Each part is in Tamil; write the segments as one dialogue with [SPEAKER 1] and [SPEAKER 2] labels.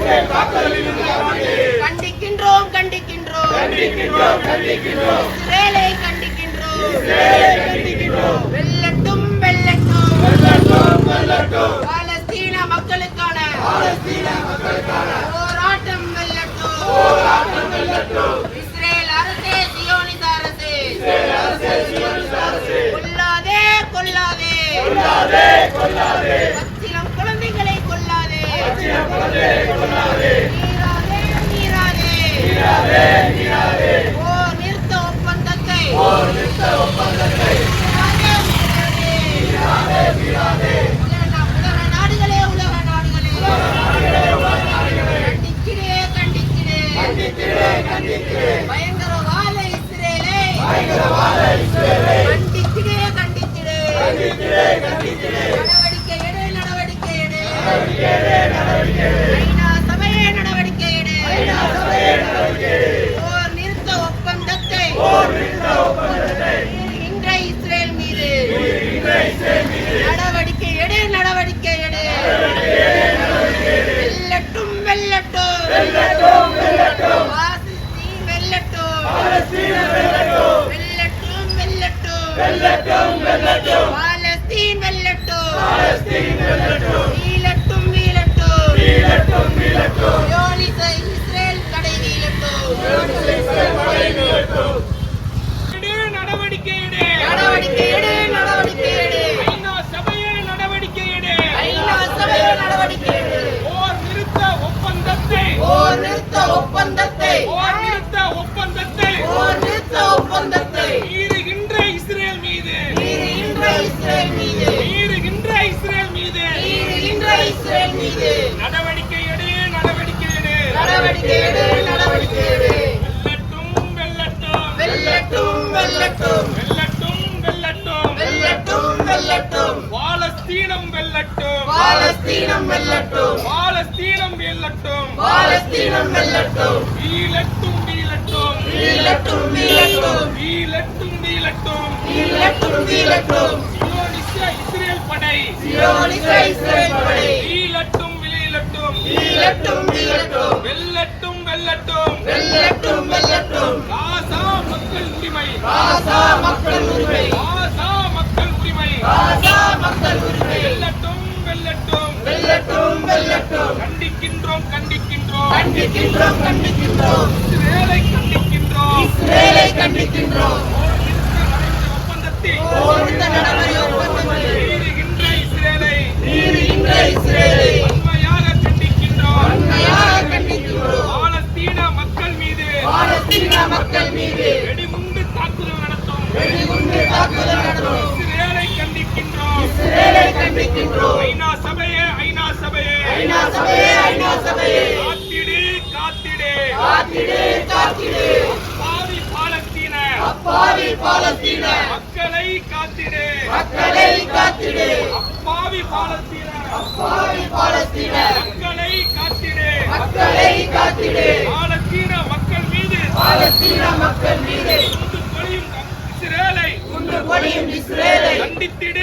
[SPEAKER 1] கண்டிக்கின்றோம் கண்டிக்கின்றோம் இஸ்ரேலை கண்டிக்கின்றோம். வெல்லட்டும் பாலஸ்தீன மக்களுக்கான போராட்டம் வெல்லட்டும். இஸ்ரேல் அரசே, சியோனிச அரசே, கொல்லாதே பச்சிளம் குழந்தைகளை கொல்லாதே. நீராதே போர் நிறுத்த ஒப்பந்தத்தை உலக நாடுகளே கண்டிக்கிறே. பயங்கரவாத இஸ்ரேலை கண்டிக்கிறே. நடவடிக்கை எடு. ஐநா சபையே நடவடிக்கை எடு. போர் நிறுத்த ஒப்பந்தத்தை மீறுகின்ற இஸ்ரேல் மீது நடவடிக்கை எடு. வெல்லட்டும். பாலஸ்தீன் வெல்லட்டும். வீழட்டும். சியோனிச இஸ்ரேல் தடை வீழட்டும்.
[SPEAKER 2] நடவடிக்கை எடு. ஐநா சபையே நடவடிக்கை எடு. போர் நிறுத்த ஒப்பந்தத்தை மீறுகின்ற இஸ்ரேல் மீது நடவடிக்கை எடு. வெல்லட்டும். பாலஸ்தீனம் வெல்லட்டும். வீழட்டும். இஸ்ரேல் படை வீழட்டும். வெல்லட்டும். காசா மக்கள் உரிமை. வெல்லட்டும். கண்டிக்கின்றோம். இஸ்ரேலை கண்டிக்கின்றோம். மீறுகின்ற இஸ்ரேலை வன்மையாக கண்டிக்கின்றோம். பாலஸ்தீன மக்கள் மீது வெடிகுண்டு தாக்குதல் நடத்தும். இஸ்ரேலை கண்டிக்கின்றோம். ஐநா சபையே காத்திடு. அப்பாவி பாலஸ்தீன மக்களை காத்திடு. அப்பாவி பாலஸ்தீன மக்களை காத்திடு. பாலஸ்தீன மக்கள் மீது குண்டு பொழியும் இஸ்ரேலை கண்டித்திடு.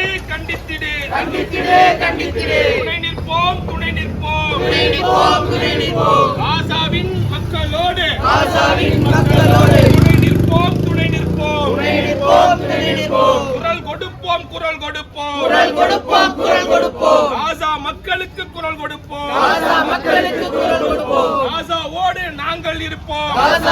[SPEAKER 2] துணை நிற்போம். காசாவின் மக்களோடு துணை நிற்போம். குரல் கொடுப்போம். காசா மக்களுக்கு குரல் கொடுப்போம். காசாவோடு நாங்கள் இருப்போம்.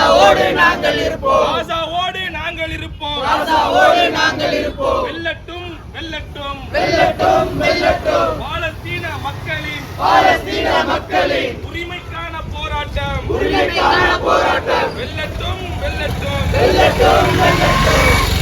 [SPEAKER 2] வெல்லட்டும். பாலஸ்தீன மக்களின் உரிமைக்கான போராட்டம் வெல்லட்டும்.